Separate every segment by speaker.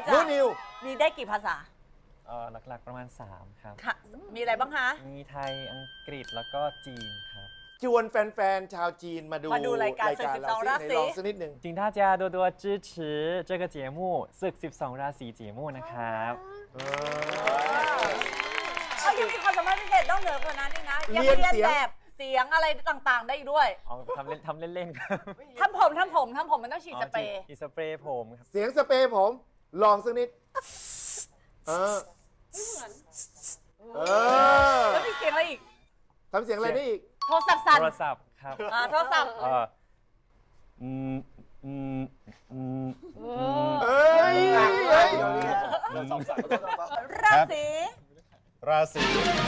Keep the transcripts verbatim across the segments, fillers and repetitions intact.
Speaker 1: จ้ะ
Speaker 2: นูนิว
Speaker 1: มีได้กี่ภาษา
Speaker 3: เอ่อหลักๆประมาณสามครับ
Speaker 1: ค่ะมีอะไรบ้างคะ
Speaker 3: มีไทยอังกฤษแล้วก็จีนครับ
Speaker 2: ชวนแฟนๆชาวจีนมาดู
Speaker 1: มาดูรายการศึกสิบสองราศี
Speaker 2: ลองสักนิดหนึ่ง
Speaker 3: 请大家多多支持这个节目ศึกสิบสองราศี节目นะครับ
Speaker 1: เขายังมีความสามารถพิเศษนอกเหนือกว่านั้นนี่นะยัง
Speaker 2: เรียน
Speaker 1: เรียน
Speaker 2: เสียง
Speaker 1: แบบเสียงอะไรต่างๆ ได้อีกด้วย
Speaker 3: เอาทำเล่นทำเล่นๆครับ
Speaker 1: ทำผมทำผมทำผมมันต้องฉีดสเปรย์
Speaker 3: อีสเปรย์ผมครับ
Speaker 2: เสียงสเปรย์ผม ลองสักนิด เออเออ
Speaker 1: แล้วมีเสียงอะไรอีก
Speaker 2: ทำเสียงอะไรได้อีก
Speaker 1: โทรศัพท์สั่น
Speaker 3: โทรศัพท์ครับ
Speaker 1: อ่าโทรศัพท์
Speaker 3: เอออืมอืมอืม
Speaker 2: เอ้ยเอ้ย
Speaker 1: ราศี
Speaker 4: ราศี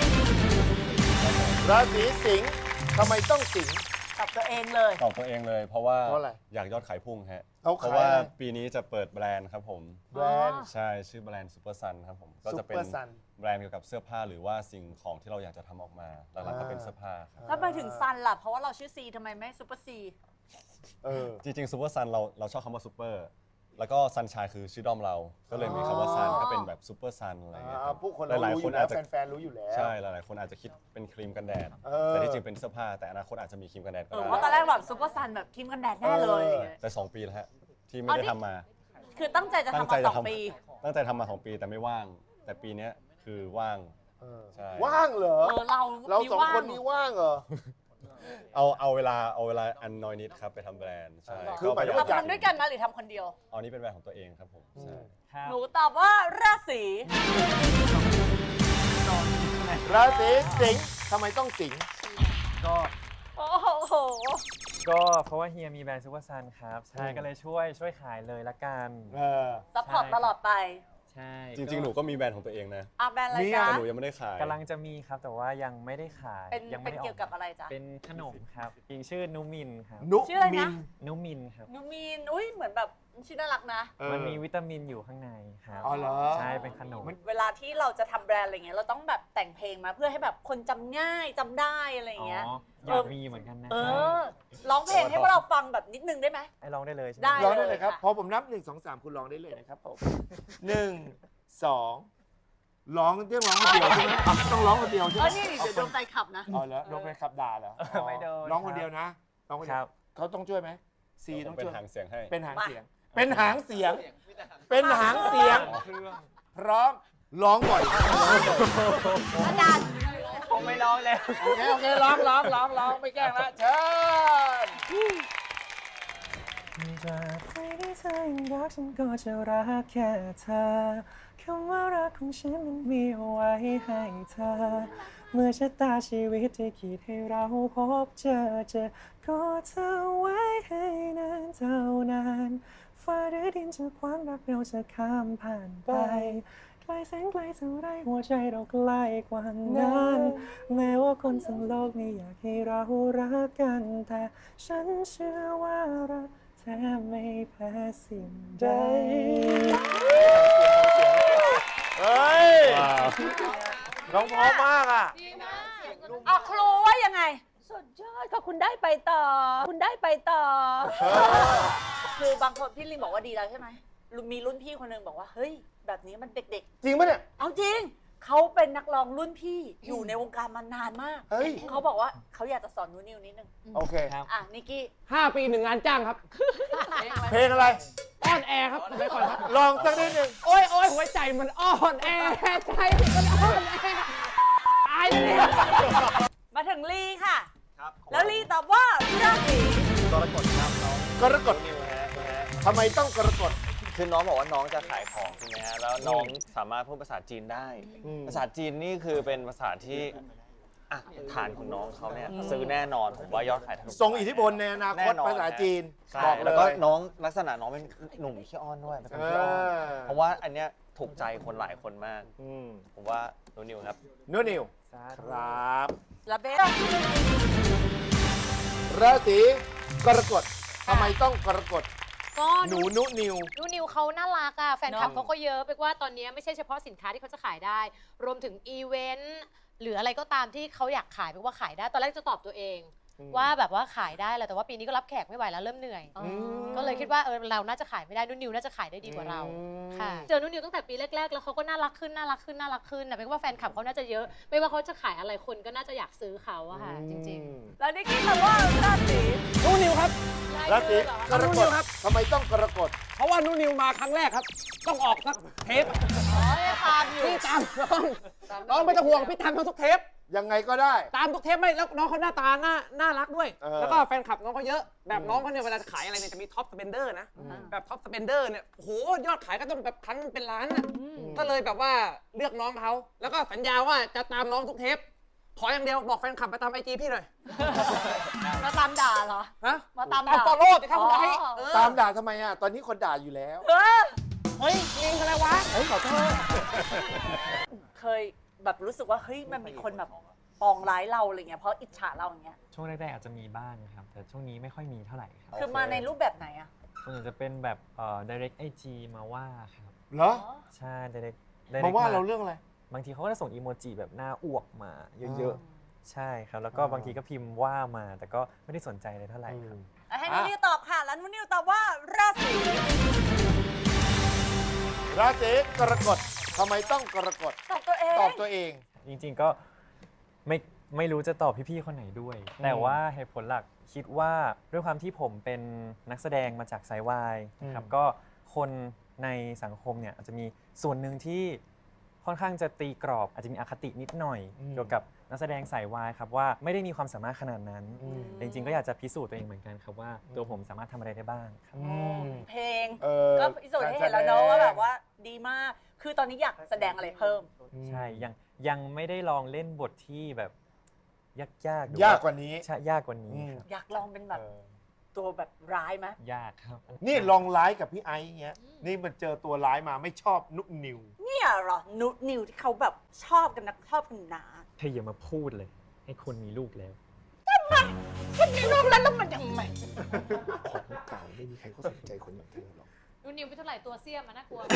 Speaker 2: ราศีสิงห์ทำไมต้องสิงห์
Speaker 1: ตอบตัวเองเลย
Speaker 4: ตอบตัวเองเลย เพราะว่า
Speaker 2: เพราะอะไร
Speaker 4: อยากยอดขายพุ่งฮะ
Speaker 2: เขา
Speaker 4: เพ
Speaker 2: ขาย
Speaker 4: ราะว่า
Speaker 2: อะไร
Speaker 4: ปีนี้จะเปิดแบรนด์ครับผม
Speaker 2: แบรนด์
Speaker 4: ใช่ชื่อแบรนด์ซูเปอร์ซันครับผมก็จะเป็น
Speaker 2: Super Sun
Speaker 4: แบรนด์เกี่ยวกับเสื้อผ้าหรือว่าสิ่งของที่เราอยากจะทำออกมาหลักๆก็เป็นเสื้อผ้าครับ
Speaker 1: ถ้าไปถึงซันล่ะ เพราะว่าเราชื่อซีทำไมไม่ซูเปอร์ซี
Speaker 2: เออ
Speaker 4: จริงๆซูเปอร์ซันเราเราชอบคำว่าซูเปอร์แล้วก็ซันชายคือชื่อด้อมเรา ก็เลยมีคำว่าซันก็เป็นแบบซูเปอร์ซันอะไรอย่างเงี้ย
Speaker 2: อ่า
Speaker 4: ครับ
Speaker 2: ผู้คนเรา
Speaker 4: หลาย
Speaker 2: รู้
Speaker 4: ๆ
Speaker 2: อ
Speaker 4: ค
Speaker 2: ยู่
Speaker 4: น
Speaker 2: แล้
Speaker 4: อาว จจะ
Speaker 2: แฟนๆรู้อยู่แล้ว
Speaker 4: ใช่หลายๆคนอาจจะคิดเป็นครีมกันแดด
Speaker 2: เออ
Speaker 4: แต่ที่จริงเป็นเสื้อผ้า แต่อนาคตอาจจะมีครีมกันแดดก็
Speaker 1: เออ
Speaker 4: ได้
Speaker 1: เพราะตอนแรกแบบซูเปอร์ซันแบบครีมกันแดดแน่เลย
Speaker 2: เออ
Speaker 4: แต่สองปีแล้วฮะที่ไม่
Speaker 1: อ๋อ
Speaker 4: ได้
Speaker 1: นี่
Speaker 4: ทำมา
Speaker 1: คือตั้งใจจะ
Speaker 4: ตั้ง
Speaker 1: ทำ
Speaker 4: ใจ
Speaker 1: มาส
Speaker 4: จะ
Speaker 1: อง
Speaker 4: ทำ
Speaker 1: ปี
Speaker 4: ตั้งใจทำมาสองปีแต่ไม่ว่าง แต่ปีเนี้ยคือว่าง
Speaker 2: เออ
Speaker 4: ใช่
Speaker 2: ว่างเหรอ
Speaker 1: เออเรา
Speaker 2: เราสอง
Speaker 1: ว่
Speaker 2: คนนี้ว่างเหรอ
Speaker 4: เอาเอาเวลาเอาเวลาอันน้อยนิดครับไปทำแบรนด์ใช่
Speaker 2: คือหมายถึง
Speaker 1: เรา
Speaker 2: ว่า
Speaker 1: ทำด้วยกันมาหรือทำคนเดียว
Speaker 4: เอานี้เป็นแบรนด์ของตัวเองครับผมใช่
Speaker 3: ครับ
Speaker 1: หนูตอบว่าราศี
Speaker 2: ราศีสิงห์ทำไมต้องสิงห์
Speaker 3: ก็
Speaker 1: โอ้โห
Speaker 3: ก็เพราะว่าเฮียมีแบรนด์ซูเปอร์ซันครับใช่ก็เลยช่วยช่วยขายเลยละกัน
Speaker 2: เออ
Speaker 1: ซัพพอร์ตตลอดไป
Speaker 3: ใช่
Speaker 4: จริงๆ หนูก็มีแบรนด์ของตัวเองนะ
Speaker 1: อ่ะแบรนด์อะไร
Speaker 2: มี
Speaker 1: จ๊ะ
Speaker 4: แต่หนูยังไม่ได้ขาย
Speaker 3: กำลังจะมีครับแต่ว่ายังไม่ได้ขาย
Speaker 1: เป็น
Speaker 3: ยัง
Speaker 1: เป็
Speaker 3: ไม่
Speaker 1: น
Speaker 3: ได้อ
Speaker 1: เกี่ยวกับอะไรจ๊ะ
Speaker 3: เป็นขนมครับอีกชื่อนูมินครับ
Speaker 2: นุ
Speaker 1: ชื่ออะไร
Speaker 2: มิ
Speaker 1: นะ
Speaker 2: น
Speaker 3: นูมินครับ
Speaker 1: นูมีน อุ้ยเหมือนแบบชื่อน่ารักนะ
Speaker 2: เออ
Speaker 3: มันมีวิตามินอยู่ข้างในครับ
Speaker 2: อ๋อเหรอ
Speaker 3: ใช่เป็นขนม
Speaker 1: เวลาที่เราจะทำแบรนด์อะไรเงี้ยเราต้องแบบแต่งเพลงมาเพื่อให้แบบคนจำง่ายจำได้อะไร
Speaker 3: อ๋อ
Speaker 1: เงี้ย
Speaker 3: อยากมีเหมือนกันนะ
Speaker 1: เอ
Speaker 3: ครับ
Speaker 1: อร้องเพลงให้พวกเราฟังแบบนิดนึงได้ไหม
Speaker 3: ให้ร้องได้เลยใช่ไหม
Speaker 1: ได้
Speaker 2: ร้องได้เลยครับ
Speaker 1: ค่ะ
Speaker 2: พอผมนับหนึ่งสองสามคุณร้องได้เลยนะครับผมหนึ่งสองร้องเรื่องร้องคนเดียวใช่ไหมอ่ะต้องร้องคนเดียวใช่
Speaker 1: เอ
Speaker 2: ไหม
Speaker 1: อนี่เดี๋ยวโดนใจขับนะ
Speaker 2: อ๋อเหรอโดนไปขับด่าเหรอ
Speaker 3: ไม่โดน
Speaker 2: ร้องคนเดียวนะร้องคน
Speaker 3: ค
Speaker 2: เดีย
Speaker 3: รั
Speaker 2: ว
Speaker 3: บ
Speaker 2: เขาต้องช่วยไหมซี
Speaker 4: ผ
Speaker 2: ต้อ
Speaker 4: ม
Speaker 2: ง
Speaker 4: เป็น
Speaker 2: ช่วย
Speaker 4: หางเสียงให้
Speaker 2: เป็นหาง
Speaker 1: มา
Speaker 2: เสียง เป็นหางเสียง เป็นหางเสียง พร้อมร้องบ่อย
Speaker 1: อาจารย์
Speaker 3: ผมไม่ร้องแล้ว
Speaker 2: โอเคโอเคร้องร้องร้องร้องไม่แกล้งละเชิญ
Speaker 3: จากใจที่เธอยังรักฉันก็จะรักแค่เธอคำว่ารักของฉันมันมีเอาไว้ให้เธอ เมื่อชะตาชีวิตที่คิดให้เราพบเจอเจอก็เธอไว้ให้นานเท่านานฟ้าหรือดินจะขวางรักเราจะข้ามผ่านไปไกลแสนไกลเท่าไรหัวใจเราใกล้กว่านั้นแม้ว่าคนทั้งโลกไม่อยากให้เรารักกันแต่ฉันเชื่อว่ารักแท้ไม่แพ้สิ่งใด
Speaker 2: เฮ้ยร้องเพราะมากอ่ะ
Speaker 1: อ่ะครูว่ายังไง
Speaker 5: สุดยอดค่ะคุณได้ไปต่อ คุณได้ไปต่อ
Speaker 1: คือบางคนพี่ลิงบอกว่าดีแล้วใช่ไหมมีรุ่นพี่คนหนึงบอกว่าเฮ้ยแบบนี้มันเด็ก
Speaker 2: จริงปะเนี่ย
Speaker 1: ๆ เอาจริงเขาเป็นนักร้องรุ่นพี่อยู่ในวงการมานานมาก
Speaker 2: เฮ้ย
Speaker 1: เขาบอกว่าเขาอยากจะสอนนูนิวนิดนึง
Speaker 2: โอเค
Speaker 1: อ่ะนิกกี้
Speaker 6: ห้าปีหนึ่งงานจ้างครับ
Speaker 2: เพลงอะไร
Speaker 6: อ้อนแอร์ครับไปก่อนครับ
Speaker 2: ลองสักนิดหนึ่ง
Speaker 6: โอ้ยโอ้ยหัวใจมันอ้อนแอใจมันอ้อนแอตายเลย
Speaker 1: มาถึงลีค่ะ แล้วลีตอบว่าราศี
Speaker 7: กรกฎครับน้อง
Speaker 2: กรกฎ
Speaker 7: นิวฮะนะฮะ
Speaker 2: ทำไมต้องกรกฎ
Speaker 7: คือน้องบอกว่าน้องจะขายของใช่ไหมฮะแล้วน้องสามารถพูดภาษาจีนได้
Speaker 2: อืม
Speaker 7: ภาษาจีนนี่คือเป็นภาษาที่อ่ะฐานของน้องเขาเนี่ยซื้อแน่นอนผมว่ายอดขายทะลุ
Speaker 2: ทรงอิทธิพลในอนาคต
Speaker 7: แน่นอน
Speaker 2: ภาษาจีน
Speaker 7: ใช่
Speaker 2: บอกเล
Speaker 7: แล้วก็
Speaker 2: ย
Speaker 7: น้องลักษณะน้องเป็นหนุ่มขี้อ้อนด้วยเป็นคนขี้อ้อน
Speaker 2: เออ
Speaker 7: เพราะว่าอันเนี้ยถูกใจคนหลายคนมาก
Speaker 2: อืม
Speaker 7: ผมว่าโนนิวครับ
Speaker 2: นูนิว
Speaker 3: สา
Speaker 2: ค
Speaker 3: ธุ
Speaker 2: รับ
Speaker 1: และเบส
Speaker 2: ราศีกรกฎทำไมต้องกรกฎ
Speaker 5: ก็
Speaker 2: หนูนุนิว
Speaker 5: นูนิวเขาน่ารักอ่ะ แฟนคลับ
Speaker 1: เนอะ
Speaker 5: เขาก็เยอะไปกว่าตอนนี้ไม่ใช่เฉพาะสินค้าที่เขาจะขายได้ รวมถึงอีเวนต์หรืออะไรก็ตามที่เขาอยากขายไปว่าขายได้ ตอนแรกจะตอบตัวเอง
Speaker 8: ว่าแบบว่าขายได้แหละแต่ว่าปีนี้ก็รับแขกไม่ไหวแล้วเริ่มเหนื่อย
Speaker 1: อ๋อ
Speaker 8: ก็เลยคิดว่าเออเราน่าจะขายไม่ได้นุ่นนิวน่าจะขายได้ดีกว่าเราค่ะเจอนุ่นนิวตั้งแต่ปีแรกๆแล้วเขาก็น่ารักขึ้นน่ารักขึ้นน่ารักขึ้นนะเป็นว่าแฟนคลับเขาน่าจะเยอะ ไม่ว่าเขาจะขายอะไรคนก็น่าจะอยากซื้อเขาอะค่ะจริง
Speaker 1: แล้วนิกกี้ตอบว่าราศี
Speaker 6: นูนิวครับ
Speaker 8: ๆ
Speaker 2: ราศี
Speaker 8: เหรอ
Speaker 2: กรกฎทำไมต้องกรกฎ
Speaker 6: เพราะว่านูนิวมาครั้งแรกครับ ต้องออกสักเทป
Speaker 1: อ๋อตามอยู่
Speaker 6: พี่ตามน้องน้องไม่ต้องห่วงพี่ตามทั้งทุกเทป
Speaker 2: ยังไงก็ได้
Speaker 6: ตามทุกเทปไม่แล้วน้องเขาหน้าตาน่าน่ารักด้วย
Speaker 2: เออ
Speaker 6: แล้วก็แฟนคลับน้องเขาเยอะ แบบน้องเขาเนี่ยเวลาจะขายอะไรเนี่ยจะมีท็อปสเปนเดอร์นะ แบบท็อปสเปนเดอร์เนี่ยโอ้โหยอดขายก็ต้องแบบครั้งเป็นล้านนะก็เลยแบบว่าเลือกน้องเขาแล้วก็สัญญาว่าจะตามน้องทุกเทป ขออย่างเดียวบอกแฟนคลับไปตามไอจีพี่หน่อย
Speaker 1: มาตามด่าเหรอ
Speaker 6: ฮะ
Speaker 1: มาตาม
Speaker 6: ตาม
Speaker 1: ด่า
Speaker 6: ฟอลโล่สิครับคุณไอ้
Speaker 1: อ๋อ
Speaker 6: เออ
Speaker 2: ตามด่าทำไมอ่ะ ตอนนี้คนด่าอยู่แล้ว
Speaker 1: เออ
Speaker 6: เฮ้ยลิงอะไรวะ
Speaker 2: เฮ้ยขอโทษ
Speaker 1: เคยแบบรู้สึกว่าเฮ้ยมันมีคนแบบปองร้ายเราอะไรเงี้ยเพราะอิจฉาเราอย่างเงี้ย
Speaker 3: ช่วงแรกๆอาจจะมีบ้างครับ แต่ช่วงนี้ไม่ค่อยมีเท่าไหร่ครับ
Speaker 1: คือมาในรูปแบบไหนอะ
Speaker 3: ส่วนใหญ่จะเป็นแบบเอ่อ direct ไอ จี มาว่าครับ
Speaker 2: เหรอ
Speaker 3: ใช่ direct
Speaker 2: มาว่าเราเรื่องอะไร
Speaker 3: บางทีเขาก็จะส่งอีโมจิแบบหน้าอ้วกมาเยอะๆ ใช่ครับ แล้วก็บางทีก็พิมพ์ว่ามา แต่ก็ไม่ได้สนใจเลยเท่าไหร่ครับ
Speaker 1: ให้นุ่นนิวตอบค่ะ แล้วนุ่นนิวตอบว่าราศี
Speaker 2: ราศีกรกฎทำไมต้องกรกฎ
Speaker 1: ตอบตัวเอง
Speaker 2: ตอบตัวเอง
Speaker 3: จริงๆก็ไม่ไม่รู้จะตอบพี่ๆคนไหนด้วย แต่ว่าเหตุผลหลักคิดว่าด้วยความที่ผมเป็นนักแสดงมาจากสายวายนะครับ
Speaker 2: อืม
Speaker 3: ก็คนในสังคมเนี่ยอาจจะมีส่วนหนึ่งที่ค่อนข้างจะตีกรอบ อาจจะมีอคตินิดหน่อย เกี่ยวกับนักแสดงสายวายครับว่าไม่ได้มีความสามารถขนาดนั้น จริงๆก็อยากจะพิสูจน์ตัวเองเหมือนกันครับว่าตัวผมสามารถทำอะไรได้บ้างครับ
Speaker 1: เพลง
Speaker 2: เออ
Speaker 1: ก็พิสูจน์ให้เห็นแล้วเนอะว่าแบบว่าดีมาก คือตอนนี้อยากแสดงอะไรเพิ่ม
Speaker 3: ใช่ยังยังไม่ได้ลองเล่นบทที่แบบยากๆหรื
Speaker 2: ยากกว่านี้
Speaker 3: ใช่ยากกว่านี้
Speaker 2: อืม
Speaker 3: ครับ
Speaker 1: อยากลองเป็นแบบตัวแบบร้ายไหม
Speaker 3: ยากครับ
Speaker 2: นี่ลองร้ายกับพี่ไอซ์เงี้ย นี่มันเจอตัวร้ายมาไม่ชอบนุกนิว
Speaker 1: เนี่ยเหรอนุนิวที่เขาแบบชอบกันนะชอบกันหนา
Speaker 3: เธออย่ามาพูดเลย ให้คนมีลูกแล้ว
Speaker 1: คนมีลูกแล้วแล้วมันยังไง
Speaker 2: ของเก่าไม่มีใครเขาสนใจคนอย่างเธอหรอก
Speaker 8: นุ่นนิวไปเท่าไหร่ตัวเสี้ยมมันน่ากลัว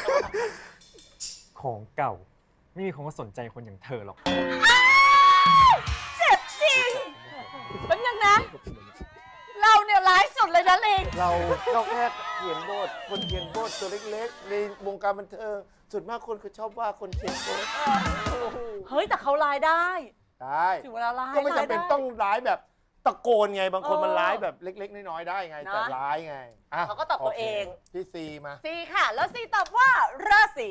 Speaker 3: ของเก่า ไม่มีคนก็สนใจคนอย่างเธอหรอก
Speaker 1: เจ็บจริงเป็นยังนะ เราเนี่ยร้ายสุดเลยนะลิง
Speaker 2: เราเราแค่เขียนบท คนเขียนบทตัวเล็กๆ ในวงการบันเทิงส่วนมากคนเขาชอบว่าคนเขียนบท
Speaker 1: เฮ้ยแต่เขาร้ายได้
Speaker 2: ได้
Speaker 1: ถึงเวลาร้าย
Speaker 2: ก็ไม่จำเป็น
Speaker 1: ร้ายได้
Speaker 2: ต้องร้ายแบบตะโกนไง บางคน
Speaker 1: เออ
Speaker 2: มันร้ายแบบเล็กๆ น้อยๆ ได้ไง แต่
Speaker 1: นะ
Speaker 2: ร้ายไงะ
Speaker 1: เขาก็ตอบตัวเอง
Speaker 2: โคพี่ซีมา
Speaker 1: ซีค่ะ แล้วซีตอบว่าราศี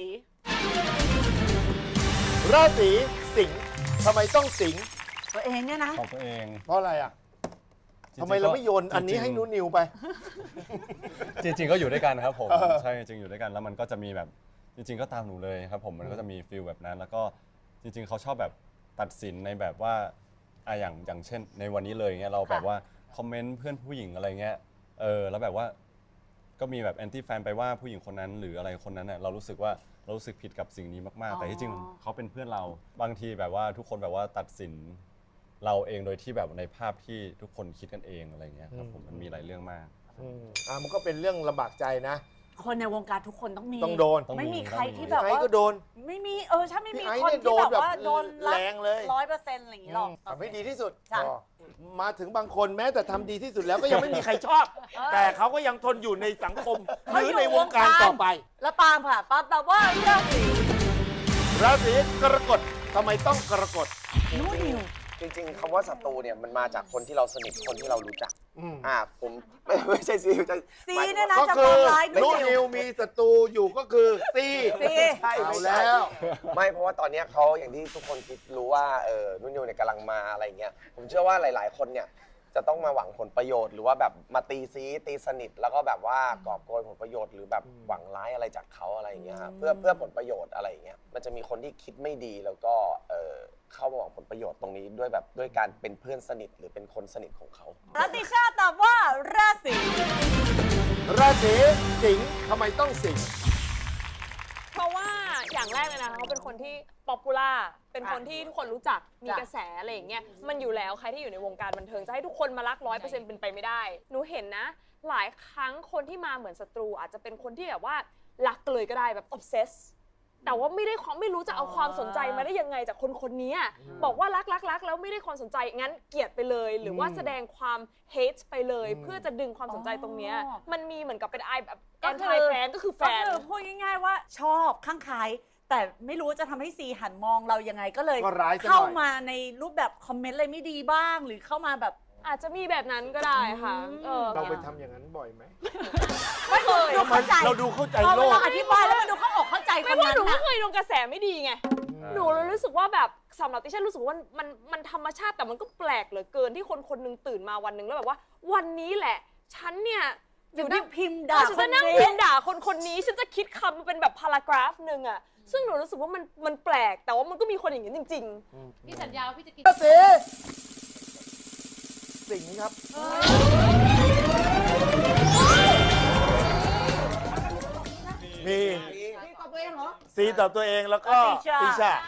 Speaker 2: ราศีสิงห์ทำไมต้องสิงห์
Speaker 1: ตัวเองเนี่ยนะ
Speaker 4: ของตัวเอง
Speaker 2: เพราะอะไรอ่ะ
Speaker 4: จริงๆ
Speaker 2: ทำไมเราไม่โยน
Speaker 4: ก็
Speaker 2: อันนี้
Speaker 4: จริงๆ
Speaker 2: ให้นูนิวไป
Speaker 4: จริงๆก็อยู่ด้วยกันครับผม
Speaker 2: เออ
Speaker 4: ใช่จริงๆอยู่ด้วยกันแล้วมันก็จะมีแบบจริง ๆ ก็ตามหนูเลยครับผมมันก็จะมีฟีลแบบนั้น แล้วก็จริง ๆเขาชอบแบบตัดสินในแบบว่าอ่ะอย่างอย่างเช่น ในวันนี้เลยเงี้ยเราแบบว่าคอมเมนต์เพื่อนผู้หญิงอะไรเงี้ยเออแล้วแบบว่าก็มีแบบแอนตี้แฟนไปว่าผู้หญิงคนนั้นหรืออะไรคนนั้นเน่ยเรารู้สึกว่าเรารู้สึกผิดกับสิ่งนี้มากๆ แต่ที่จริงเขาเป็นเพื่อนเราบางทีแบบว่าทุกคนแบบว่าตัดสินเราเองโดยที่แบบในภาพที่ทุกคนคิดกันเองอะไรเงี้ยครับผมมันมีหลายเรื่องมาก
Speaker 2: อืมอ่ะมันก็เป็นเรื่องลำบากใจนะ
Speaker 1: คนในวงการทุกคนต้องมี
Speaker 2: ต้องโดน
Speaker 4: ต้อง
Speaker 1: ไม่มีใคร
Speaker 4: ต้องมี
Speaker 1: ที่
Speaker 2: พี่
Speaker 1: แบบ
Speaker 2: ไอ้
Speaker 1: ว่า
Speaker 2: ก็โดน
Speaker 1: ไม่มีเออใช่ไม่มี
Speaker 2: พี่ไอ้
Speaker 1: คน
Speaker 2: เนี่ย
Speaker 1: ที่
Speaker 2: โดน
Speaker 1: แบบ
Speaker 2: แบบ
Speaker 1: ว่าโดน
Speaker 2: แรงเลย
Speaker 1: ร้อยเปอร์เซ็นต์อะไรอย่างงี้หรอก
Speaker 2: ทำให้ดีที่สุด
Speaker 1: จ้ะ
Speaker 2: พอมาถึงบางคนแม้แต่ทำดีที่สุดแล้วก็ยังไม่มีใครชอบ แต่เขาก็ยังทนอยู่ในสังคมหรือในวงการต่อไป
Speaker 1: แล้วปาล์มค่ะปาล์มตอบว่าราศี
Speaker 2: ราศีกรกฎทำไมต้องกรกฎ
Speaker 1: นู่นนิว
Speaker 9: จริงๆคำว่าศัตรูเนี่ยมันมาจากคนที่เราสนิทคนที่เรารู้จัก
Speaker 2: อืม
Speaker 9: อ่าผมไม่ไม่ใช่ซีจะ
Speaker 1: ซี
Speaker 9: หมายถึง
Speaker 1: เนี่ยนะ
Speaker 2: ก็
Speaker 1: จะ
Speaker 2: คื
Speaker 1: ป
Speaker 2: อ
Speaker 1: องร้าย
Speaker 2: นู
Speaker 1: นู่น
Speaker 2: นิ
Speaker 1: นิ
Speaker 2: ว
Speaker 1: ว
Speaker 2: มีศัตรูอยู่ก็คือซี
Speaker 1: ซี
Speaker 9: ใช่
Speaker 2: เอา
Speaker 9: ไม่ใช่
Speaker 2: แล้ว
Speaker 9: ไม่เพราะว่าตอนเนี้ยเขาอย่างที่ทุกคนคิดรู้ว่าเออนุ่นนิวเนี่ยกำลังมาอะไรเงี้ยผมเชื่อว่าหลาย ๆ คนเนี่ยจะต้องมาหวังผลประโยชน์หรือว่าแบบมาตีซีตีสนิท แล้วก็แบบว่ากอบโกยผลประโยชน์หรือแบบหวังร้ายอะไรจากเขาอะไรอย่างเงี้ยครับเพื่อเพื่อผลประโยชน์อะไรอย่างเงี้ยมันจะมีคนที่คิดไม่ดีแล้วก็เออเข้ามาหวังผลประโยชน์ตรงนี้ด้วยแบบด้วยการเป็นเพื่อนสนิทหรือเป็นคนสนิทของเขา
Speaker 1: รัติชาตอบว่าราศี
Speaker 2: ราศีสิงห์ทำไมต้องสิงห์
Speaker 10: เพราะว่าอย่างแรกเลยนะเขาเป็นคนที่ป๊อปปูล่าเป็นคนที่ทุกคนรู้จักมีกระแสอะไรอย่างเงี้ยมันอยู่แล้วใครที่อยู่ในวงการบันเทิงจะให้ทุกคนมารักร้อยเปอร์เซ็นต์เป็นไปไม่ได้หนูเห็นนะ หลายครั้งคนที่มาเหมือนศัตรูอาจจะเป็นคนที่แบบว่ารักเลยก็ได้แบบ obsess แต่ว่าไม่ได้ความไม่รู้จะเอาความสนใจมาได้ยังไงจากคนคนนี้บอกว่ารักรักรักแล้วไม่ได้ความสนใจงั้นเกลียดไปเลย หรือว่าแสดงความเฮทไปเลย เพื่อจะดึงความสนใจตรงเนี้ยมันมีเหมือนกับเป็นไอแบบแอนตี้แฟนก็คือแฟน
Speaker 1: ก็คือพูดง่ายๆว่าชอบข้างใครแต่ไม่รู้จะทำให้ซีหันมองเรายังไงก็เลย
Speaker 2: ก็ร้ายซะหน่อย
Speaker 1: เข้ามาในรูปแบบคอมเมนต์อะไรไม่ดีบ้าง หรือเข้ามาแบบ
Speaker 10: อาจจะมีแบบนั้นก็ได้ค่ะเออ
Speaker 2: เราไปทำอย่างนั้นบ่อยไหม
Speaker 1: ไม่เคยดูเข้าใจ
Speaker 2: เราดูเข้าใจ
Speaker 1: พอ
Speaker 2: โล
Speaker 1: เว
Speaker 2: ก
Speaker 1: ลาอธิบายแล้วมันดูเข้าอกเข้าใจค
Speaker 10: ไม่
Speaker 1: น
Speaker 10: ว่า
Speaker 1: นั้
Speaker 10: หนู
Speaker 1: น
Speaker 10: ไม่
Speaker 1: นะ
Speaker 10: เคยโดนกระแสไม่ดีไงหนูเลยรู้สึกว่าแบบสำหรับติฉันรู้สึกว่ามันมันธรรมชาติแต่มันก็แปลกเหลือเกินที่คนคนหนึงตื่นมาวันหนึ่งแล้วแบบว่า วันนี้แหละ ฉันเนี่ย
Speaker 1: อยู่ที่พิมพ์
Speaker 10: ด่า
Speaker 1: ด่า
Speaker 10: ฉัน
Speaker 1: ค
Speaker 10: จะ
Speaker 1: น
Speaker 10: นั่ง
Speaker 1: นี้
Speaker 10: พิมพ์ด่าคนคนนี้ฉันจะคิดคำมาเป็นแบบพารากราฟหนึ่งอะซึ่งหนูรู้สึกว่ามันมันแปลกแต่ว่ามันก็มีคนอย่างนี้จริง ๆ
Speaker 8: พี่สัญญาว่าพี่จะกิน
Speaker 2: สีสิงห์ครับ มีซีตอบตัวเองแล้วก็
Speaker 1: ติชา
Speaker 2: ติชา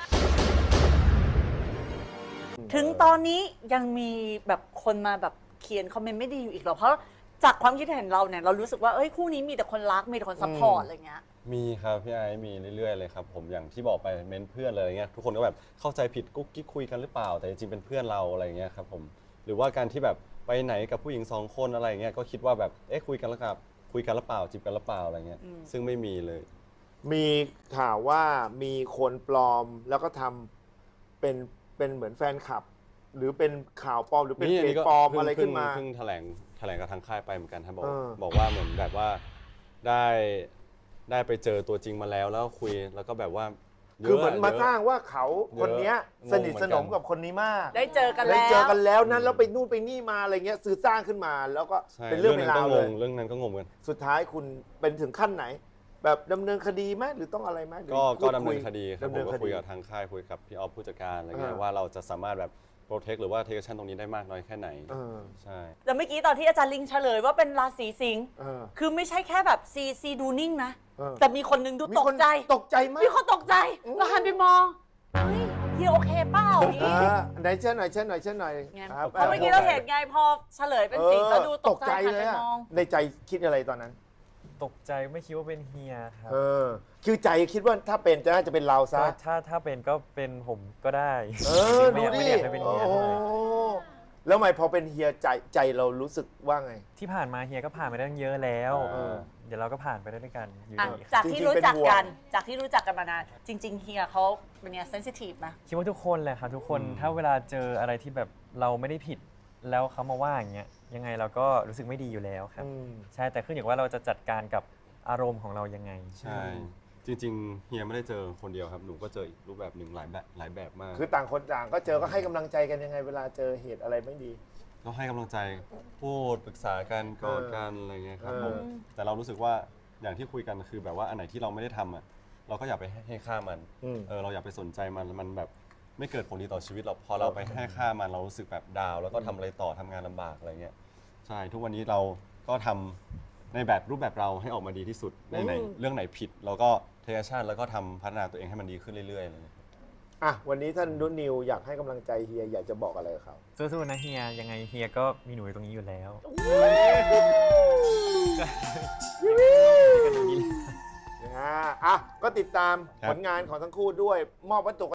Speaker 1: ถึงตอนนี้ยังมีแบบคนมาแบบเขียนคอมเมนต์ไม่ดีอยู่อีกเหรอเพราะจากความคิดเห็นเราเนี่ยเรารู้สึกว่าเอ้ยคู่นี้มีแต่คนรักมีแต่คนซัพพอร์ตอะไรเงี้ย
Speaker 4: มีครับพี่ไอซ์มีเรื่อยๆเลยครับผมอย่างที่บอกไปเม้นเพื่อนอะไรเงี้ยทุกคนก็แบบเข้าใจผิดกุ๊กกิ๊กคุยกันหรือเปล่าแต่จริงๆเป็นเพื่อนเราอะไรเงี้ยครับผมหรือว่าการที่แบบไปไหนกับผู้หญิงสองคนอะไรเงี้ยก็คิดว่าแบบเอ๊ะคุยกันแล้วกับคุยกันหรือเปล่าจีบกันหรือเปล่าอะไรเงี้ยซึ่งไม่มีเลย
Speaker 2: มีข่าวว่ามีคนปลอมแล้วก็ทำเป็นเป็นเหมือนแฟนคลับ หรือเป็นข่าวปลอมหรือเป็นเพจปลอมอะไรขึ้นมา
Speaker 4: เพิ่งแถลงแถลงกับทางค่ายไปเหมือนกันครับบอก
Speaker 2: เออ
Speaker 4: บอกว่าเหมือนแบบว่าได้ได้ไปเจอตัวจริงมาแล้วแล้วคุยแล้วก็แบบว่าเยะ
Speaker 2: คือเหมือนมา
Speaker 4: เยะ
Speaker 2: สร้างว่าเขาคนเนี้ย
Speaker 4: เยอะ
Speaker 2: สนิทสนมกับคนนี้มาก
Speaker 1: ได้เจอกัน
Speaker 2: ได้
Speaker 1: แล้ว
Speaker 2: เจอกันแล้วนั้นแล้วไปนู่นไปนี่มาอะไรเงี้ยสื่อสร้างขึ้นมาแล้วก็
Speaker 4: ใช่
Speaker 2: เป็นเรื่องเป็นราวเลย
Speaker 4: เรื่องนั้นก็งงกัน
Speaker 2: สุดท้ายคุณเป็นถึงขั้นไหน แบบดำเนินคดีไหมหรือต้องอะไรไหมหรือ
Speaker 4: ก็
Speaker 2: พู
Speaker 4: ก็
Speaker 2: ด
Speaker 4: ดำเนิน
Speaker 2: ย
Speaker 4: คดีครับ
Speaker 2: ดำ
Speaker 4: ผ
Speaker 2: เนิ
Speaker 4: ม
Speaker 2: น
Speaker 4: ก็
Speaker 2: ค
Speaker 4: คุ
Speaker 2: ดี
Speaker 4: ยกับทางค่ายคุยกับพี่ออฟผู้จัดการอะไรเงี้ย
Speaker 2: อ่า
Speaker 4: ว่าเราจะสามารถแบบโปรเทคหรือว่าเทคชั่นตรงนี้ได้มากน้อยแค่ไหน
Speaker 2: เออ
Speaker 4: ใช่
Speaker 1: แต่เมื่อกี้ตอนที่อาจารย์ลิงเฉลยว่าเป็นราศีสิงห์
Speaker 2: เออ
Speaker 1: คือไม่ใช่แค่แบบซีซีดูนิ่งนะ
Speaker 2: เออ
Speaker 1: แต่มีคนหนึงดู
Speaker 2: มี
Speaker 1: ตก
Speaker 2: คน
Speaker 1: ใจ
Speaker 2: ตกใจมาก
Speaker 1: มีคนตกใจเราหันไปมองเฮ้ยเฮียโอเคเปล่า
Speaker 2: เอ
Speaker 1: นี่
Speaker 2: อไหนเช่นหน่อยเช่นหน่อยเช่นหน่อย
Speaker 1: ไง
Speaker 2: ครับ
Speaker 1: เพราะเมื่อกี้เราเห็นไงพอเฉลยเป็นสิงห์แล้วดูตกใจหัน
Speaker 2: เล
Speaker 1: ไป
Speaker 2: ยอะ
Speaker 1: มอง
Speaker 2: ในใจคิดอะไรตอนนั้น
Speaker 3: ตกใจไม่คิดว่าเป็นเฮียครับ
Speaker 2: เออ คือใจคิดว่าถ้าเป็นจะน่าจะเป็นเราซะ
Speaker 3: ก็ถ้าถ้าเป็นก็เป็นผมก็ได้
Speaker 2: เออ
Speaker 3: ไม่
Speaker 2: ดู
Speaker 3: อยาก
Speaker 2: ดิ
Speaker 3: ไม่อยากให้เป็น
Speaker 2: โอ้
Speaker 3: เฮีย
Speaker 2: โห
Speaker 3: เท่าไหร่
Speaker 2: แล้วทำไมพอเป็นเฮียใจใจเรารู้สึกว่าไง
Speaker 3: ที่ผ่านมาเฮียก็ผ่านมาได้ตั้งเยอะแล้ว
Speaker 2: เออ
Speaker 3: เดี๋ยวเราก็ผ่านไปได้ด้วยกันอยู่
Speaker 1: อ่ะ
Speaker 3: ดี
Speaker 1: จาก
Speaker 2: จริ
Speaker 1: ที่
Speaker 2: งๆ
Speaker 1: รู้จัก
Speaker 2: เป็นห่วง
Speaker 1: กัน จากที่รู้จักกันมานาน จริง ๆ เฮียเขาเป็นเนี่ยเซนซิทีฟไหม
Speaker 3: คิดว่าทุกคนแหละครับทุกคน
Speaker 2: อืม
Speaker 3: ถ้าเวลาเจออะไรที่แบบเราไม่ได้ผิด แล้วเขามาว่าอย่างเงี้ยยังไงเราก็รู้สึกไม่ดีอยู่แล้วครับ
Speaker 2: อืม
Speaker 3: ใช่แต่ขึ้นอยู่ว่าเราจะจัดการกับอารมณ์ของเรายังไง
Speaker 4: ใช่จริงๆเฮียไม่ได้เจอคนเดียวครับหนูก็เจออีกรูปแบบหนึ่งหลายแบบหลายแบบมาก
Speaker 2: คือต่างคนต่างก็เจอก็ให้กำลังใจกันยังไงเวลาเจอเหตุอะไรไม่ดี
Speaker 4: ก็ให้กำลังใจพูดปรึกษากันกอดกันอะไรเงี้ยครับ
Speaker 2: เออ
Speaker 4: ผมแต่เรารู้สึกว่าอย่างที่คุยกันคือแบบว่าอันไหนที่เราไม่ได้ทำอ่ะเราก็อย่าไปให้ค่ามัน
Speaker 2: อืม
Speaker 4: เออเราอย่าไปสนใจมันมันแบบไม่เกิดผลดีต่อชีวิตเราพอเราไปให้ค่ามันเรารู้สึกแบบดาวน์แล้วก็ทำอะไรต่อทำงานลำบากอะไรเงี้ยใช่ทุกวันนี้เราก็ทำในแบบรูปแบบเราให้ออกมาดีที่สุดในไหนเรื่องไหนผิดเราก็เทคชั่นแล้วก็ทำพัฒนาตัวเองให้มันดีขึ้นเรื่อยๆเลย
Speaker 2: อ่ะวันนี้ท่านนุ่นนิวอยากให้กำลังใจเฮียอยากจะบอกอะไรกับเขา
Speaker 3: สู้ๆนะเฮียยังไงเฮียก็มีหนูอยู่ตรงนี้อยู่แล้ว
Speaker 2: นะฮะอ่ะก็ติดตาม
Speaker 4: ครับ
Speaker 2: ผลงานของทั้งคู่ด้วยมอบวัตถุ